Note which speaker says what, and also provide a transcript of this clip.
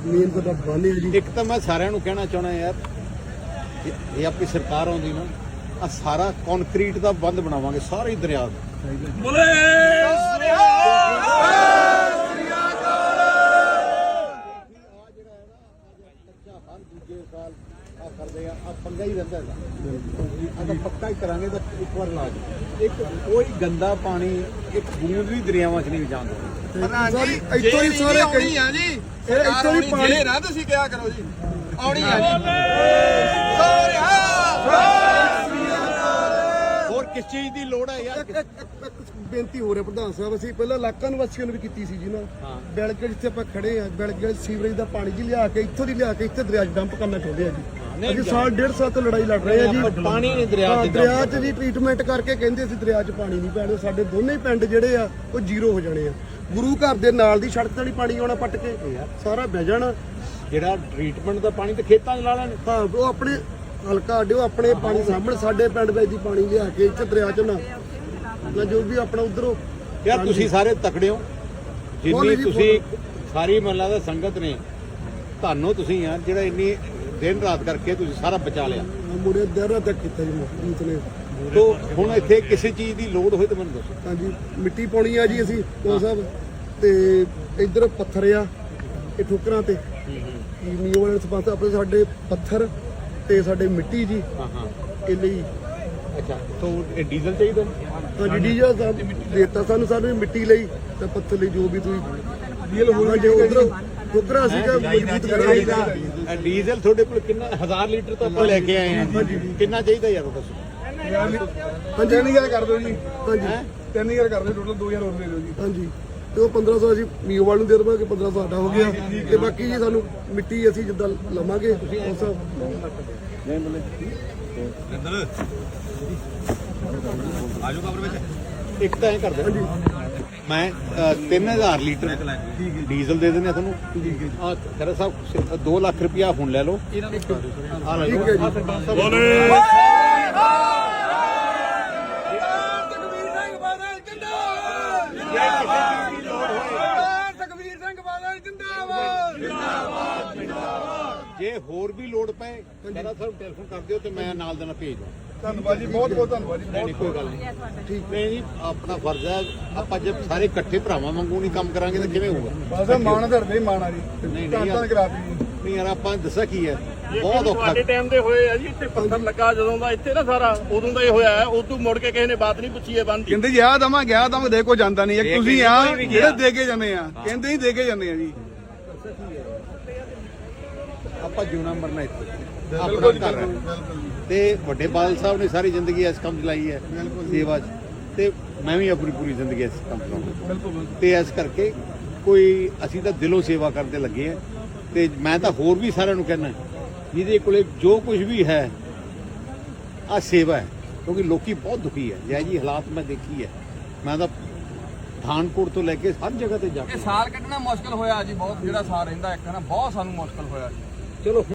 Speaker 1: Main ਸਾਡਾ ਬੰਨ ਹੈ ਜੀ।
Speaker 2: ਇੱਕ ਤਾਂ ਮੈਂ ਸਾਰਿਆਂ ਨੂੰ ਕਹਿਣਾ ਚਾਹਣਾ ਯਾਰ, ਇਹ ਆਪਣੀ ਸਰਕਾਰ ਆਉਂਦੀ ਨਾ, ਆ ਸਾਰਾ ਕੰਕਰੀਟ ਦਾ ਬੰਦ ਬਣਾਵਾਂਗੇ ਸਾਰੇ ਦਰਿਆ ਦਾ। ਕਰਦੇ ਆ ਪੰਗਾ ਹੀ ਰਹਿੰਦਾ ਹੈਗਾ, ਪੱਕਾ ਹੀ ਕਰਾਂਗੇ ਤਾਂ ਇੱਕ ਵਾਰ ਇਲਾਜ। ਇੱਕ ਕੋਈ ਗੰਦਾ ਪਾਣੀ ਇੱਕ ਬੂੰਦ ਵੀ ਦਰਿਆਵਾਂ 'ਚ ਨਹੀਂ ਜਾਣ ਦਿੰਦੇ।
Speaker 1: ਇੱਥੋਂ ਹੀ ਸਾਰੇ
Speaker 3: ਆਉਣੀ ਆ ਜੀ,
Speaker 1: ਇੱਥੋਂ ਹੀ ਪਾਣੀ
Speaker 3: ਨਾ ਤੁਸੀਂ ਕਿਹਾ ਕਰੋ ਜੀ, ਆਉਣੀ ਆ ਜੀ।
Speaker 2: ਹੋਰ ਕਿਸ ਚੀਜ਼ ਦੀ ਲੋੜ ਹੈ ਯਾਰ?
Speaker 1: ਇੱਕ ਬੇਨਤੀ ਹੋ ਰਿਹਾ ਪ੍ਰਧਾਨ ਸਾਹਿਬ, ਅਸੀਂ ਪਹਿਲਾਂ ਇਲਾਕਾ ਨਿਵਾਸੀਆਂ ਨੂੰ ਵੀ ਕੀਤੀ ਸੀ ਜੀ ਨਾ, ਬਿਲਕੁਲ ਜਿੱਥੇ ਆਪਾਂ ਖੜੇ ਆ, ਬਿਲਕੁਲ ਸੀਵਰੇਜ ਦਾ ਪਾਣੀ ਜੀ ਲਿਆ ਕੇ ਇੱਥੋਂ ਦੀ ਲਿਆ ਕੇ ਇੱਥੇ ਦਰਿਆ 'ਚ ਡੰਪ ਕਰਨਾ ਚਾਹੁੰਦੇ ਆ ਜੀ। ਅਸੀਂ ਸਾਲ ਡੇਢ ਸਾਲ ਤੋਂ ਲੜਾਈ ਲੜ ਰਹੇ ਆ ਜੀ।
Speaker 2: ਪਾਣੀ ਨਹੀਂ ਦਰਿਆ
Speaker 1: 'ਚ ਜੀ ਟ੍ਰੀਟਮੈਂਟ ਕਰਕੇ ਕਹਿੰਦੇ ਅਸੀਂ ਦਰਿਆ 'ਚ ਪਾਣੀ ਨਹੀਂ ਪੈਣਾ। ਸਾਡੇ ਦੋਨੇ ਹੀ ਪਿੰਡ ਜਿਹੜੇ ਆ ਉਹ ਜ਼ੀਰੋ ਹੋ ਜਾਣੇ ਆ। ਗੁਰੂ ਘਰ ਦੇ ਨਾਲ ਦੀ ਸੜਕ ਤੇ ਨਹੀਂ ਪਾਣੀ ਆਉਣਾ, ਪੱਟ ਕੇ ਸਾਰਾ ਬਹਿ ਜਾਣਾ।
Speaker 2: ਜਿਹੜਾ ਟ੍ਰੀਟਮੈਂਟ ਦਾ ਪਾਣੀ ਤੇ ਖੇਤਾਂ 'ਚ ਲਾ ਲੈਣ।
Speaker 1: ਹਾਂ, ਉਹ ਆਪਣੇ ਹਲਕਾ ਅੱਡਿਓ ਆਪਣੇ ਪਾਣੀ ਸਾਹਮਣੇ ਸਾਡੇ ਪਿੰਡ ਵਿੱਚ ਦੀ ਪਾਣੀ ਲਿਆ ਕੇ ਇੱਥੇ ਦਰਿਆ 'ਚ ਨਾ ਜੋ ਵੀ ਆਪਣਾ ਉਧਰੋਂ।
Speaker 2: ਯਾਰ ਤੁਸੀਂ ਸਾਰੇ ਤਕੜੇ ਹੋ, ਜਿੰਨੀ ਤੁਸੀਂ ਸਾਰੀ ਮਹੱਲਾ ਦਾ ਸੰਗਤ ਨੇ, ਤੁਹਾਨੂੰ ਤੁਸੀਂ ਯਾਰ ਜਿਹੜਾ ਇੰਨੀ ਦਿਨ ਰਾਤ ਕਰਕੇ ਤੁਸੀਂ ਸਾਰਾ ਬਚਾ ਲਿਆ।
Speaker 1: ਮੁੰਡੇ ਦੇਰ ਤੱਕ ਕੀਤਾ ਜੀ ਮੀਤ ਨੇ।
Speaker 2: ਤੋ ਹੁਣ ਇੱਥੇ ਕਿਸੇ ਚੀਜ਼ ਦੀ ਲੋੜ ਹੋਏ ਤਾਂ ਮੈਨੂੰ ਦੱਸੋ।
Speaker 1: ਹਾਂਜੀ, ਮਿੱਟੀ ਪਾਉਣੀ ਆ ਜੀ ਅਸੀਂ ਕੋਲ ਸਾਹਿਬ, ਤੇ ਇੱਧਰ ਪੱਥਰ ਆ ਇਹ ਠੋਕਰਾਂ ਤੇ ਮੀਓ ਵਾਲੇ ਸਪਾਂਸਰ ਆਪਣੇ ਸਾਡੇ ਪੱਥਰ ਤੇ ਸਾਡੇ ਮਿੱਟੀ ਜੀ। ਇਹ ਲਈ
Speaker 2: ਅੱਛਾ, ਤੋ ਇਹ ਡੀਜ਼ਲ ਚਾਹੀਦਾ?
Speaker 1: ਹਾਂਜੀ, ਡੀਜ਼ਲ ਦੇਤਾ ਸਾਨੂੰ ਮਿੱਟੀ ਲਈ ਤੇ ਪੱਥਰ ਲਈ ਜੋ ਵੀ ਤੁਸੀਂ ਡੀਜ਼ਲ ਹੋਣਾ ਜੇ ਉਧਰ ਠੋਕਰਾਂ ਸੀਗਾ ਮਜ਼ਬੂਤ ਕਰਾਂਗੇ।
Speaker 2: ਡੀਜ਼ਲ ਤੁਹਾਡੇ ਕੋਲ ਕਿੰਨਾ 1000 ਲੀਟਰ ਤਾਂ ਆਪਾਂ ਲੈ ਕੇ ਆਏ ਆ, ਕਿੰਨਾ ਚਾਹੀਦਾ ਯਾਰ ਉਹ ਦੱਸੋ?
Speaker 1: ਹਾਂਜੀ, 3000 ਕਰ ਦਿਓ ਜੀ। ਹਾਂਜੀ, 3000 ਕਰ ਦਿਓ, ਟੋਟਲ 2000 ਹੋਰ ਦੇ ਦਿਓ ਜੀ। ਹਾਂਜੀ, ਤੇ ਉਹ 1500 ਅਸੀਂ ਮੀਓ ਵਾਲ ਨੂੰ ਦੇ ਦੇਵਾਂਗੇ, 1500 ਸਾਡਾ ਹੋ ਗਿਆ। ਤੇ ਬਾਕੀ ਜੀ ਸਾਨੂੰ ਮਿੱਟੀ ਅਸੀਂ ਜਿੱਦਾਂ ਲਵਾਂਗੇ ਉਸ
Speaker 2: ਆਜੋ ਕਬਰ ਵਿੱਚ। ਇੱਕ ਤਾਂ ਇਹ ਕਰਦੇ ਹਾਂਜੀ, ਮੈਂ 3000 ਲੀਟਰ ਡੀਜ਼ਲ ਦੇ ਦਿੰਦੇ ਤੁਹਾਨੂੰ। ਆ ਖਰਾ ਸਾਹਿਬ 2 ਲੱਖ ਰੁਪਇਆ ਹੁਣ ਲੈ ਲਓ। ਆ ਲੈ ਲਓ। ਜੇ ਹੋਰ ਵੀ ਲੋੜ ਪਏ ਕਹਿੰਦਾ ਸਰ ਟੈਲੀਫੋਨ ਕਰ ਦਿਓ ਤੇ ਮੈਂ ਨਾਲ ਦੇ ਨਾਲ ਭੇਜ ਦਵਾਂ।
Speaker 3: ਧੰਨਵਾਦ ਜੀ, ਬਹੁਤ ਬਹੁਤ ਧੰਨਵਾਦ ਜੀ।
Speaker 2: ਨਹੀਂ ਕੋਈ ਗੱਲ ਨਹੀਂ, ਠੀਕ ਨਹੀਂ ਜੀ, ਆਪਣਾ ਫਰਜ਼ ਹੈ। ਆਪਾਂ ਜੇ ਸਾਰੇ ਇਕੱਠੇ ਭਰਾਵਾਂ ਵਾਂਗੂ ਨਹੀਂ ਕੰਮ ਕਰਾਂਗੇ ਤਾਂ ਕਿਵੇਂ ਹੋਊਗਾ?
Speaker 3: ਬਸ ਮਾਣ ਧਰਦੇ ਮਾਣ ਆ ਜੀ,
Speaker 2: ਨਹੀਂ
Speaker 3: ਧੰਨ ਕਰਾਤੀ।
Speaker 2: ਨਹੀਂ ਯਾਰ, ਆਪਾਂ ਦੱਸਿਆ ਕੀ ਹੈ, ਬਹੁਤ ਔਖਾ।
Speaker 4: ਸਾਡੇ ਟਾਈਮ ਦੇ ਹੋਏ ਆ ਜੀ, ਇੱਥੇ ਪੱਥਰ ਲੱਗਾ ਜਦੋਂ ਦਾ ਇੱਥੇ ਨਾ ਸਾਰਾ, ਉਦੋਂ ਦਾ ਇਹ ਹੋਇਆ ਹੈ। ਉਦੋਂ ਮੁੜ ਕੇ ਕਿਸੇ ਨੇ ਬਾਤ ਨਹੀਂ ਪੁੱਛੀ ਹੈ ਬੰਦ ਦੀ।
Speaker 3: ਕਹਿੰਦੇ ਜੀ ਆ ਦਵਾਂ ਦੇ ਕੋ ਜਾਂਦਾ ਨਹੀਂ, ਇੱਕ ਤੁਸੀਂ ਆ ਜਿਹੜੇ ਦੇ ਕੇ ਜਾਂਦੇ ਆ, ਕਹਿੰਦੇ ਹੀ ਦੇ ਕੇ ਜਾਂਦੇ ਆ ਜੀ।
Speaker 2: ਆਪਾਂ ਜਿਉਣਾ ਮਰਨਾ ਇੱਥੇ ਆਪਣਾ ਘਰ ਹੈ। ਤੇ ਵੱਡੇ ਬਾਦਲ ਸਾਹਿਬ ਨੇ ਸਾਰੀ ਜ਼ਿੰਦਗੀ ਇਸ ਕੰਮ 'ਚ ਲਾਈ ਹੈ, ਸੇਵਾ 'ਚ, ਤੇ ਮੈਂ ਵੀ ਆਪਣੀ ਪੂਰੀ ਜ਼ਿੰਦਗੀ ਇਸ ਕੰਮ 'ਚ ਲਾਉਂਗਾ। ਤੇ ਇਸ ਕਰਕੇ ਕੋਈ ਅਸੀਂ ਤਾਂ ਦਿਲੋਂ ਸੇਵਾ ਕਰਦੇ ਲੱਗੇ ਆ। ਤੇ ਮੈਂ ਤਾਂ ਹੋਰ ਵੀ ਸਾਰਿਆਂ ਨੂੰ ਕਹਿਣਾ, ਜਿਹਦੇ ਕੋਲੇ ਜੋ ਕੁਝ ਵੀ ਹੈ ਆ ਸੇਵਾ ਹੈ, ਕਿਉਂਕਿ ਲੋਕੀ ਬਹੁਤ ਦੁਖੀ ਹੈ। ਜੈ ਜੀ ਹਾਲਾਤ ਮੈਂ ਦੇਖੀ ਹੈ, ਮੈਂ ਤਾਂ ਪਠਾਨਕੋਟ ਤੋਂ ਲੈ ਕੇ ਹਰ ਜਗ੍ਹਾ ਤੇ ਜਾ ਕੇ।
Speaker 3: ਸਾਲ ਕੱਢਣਾ ਮੁਸ਼ਕਲ ਹੋਇਆ ਜੀ, ਬਹੁਤ ਜਿਹੜਾ ਸਾਲ ਰਹਿੰਦਾ ਇੱਕ ਨਾ, ਬਹੁਤ ਸਾਨੂੰ ਮੁਸ਼ਕਲ ਹੋਇਆ ਜੀ।
Speaker 2: ਚਲੋ।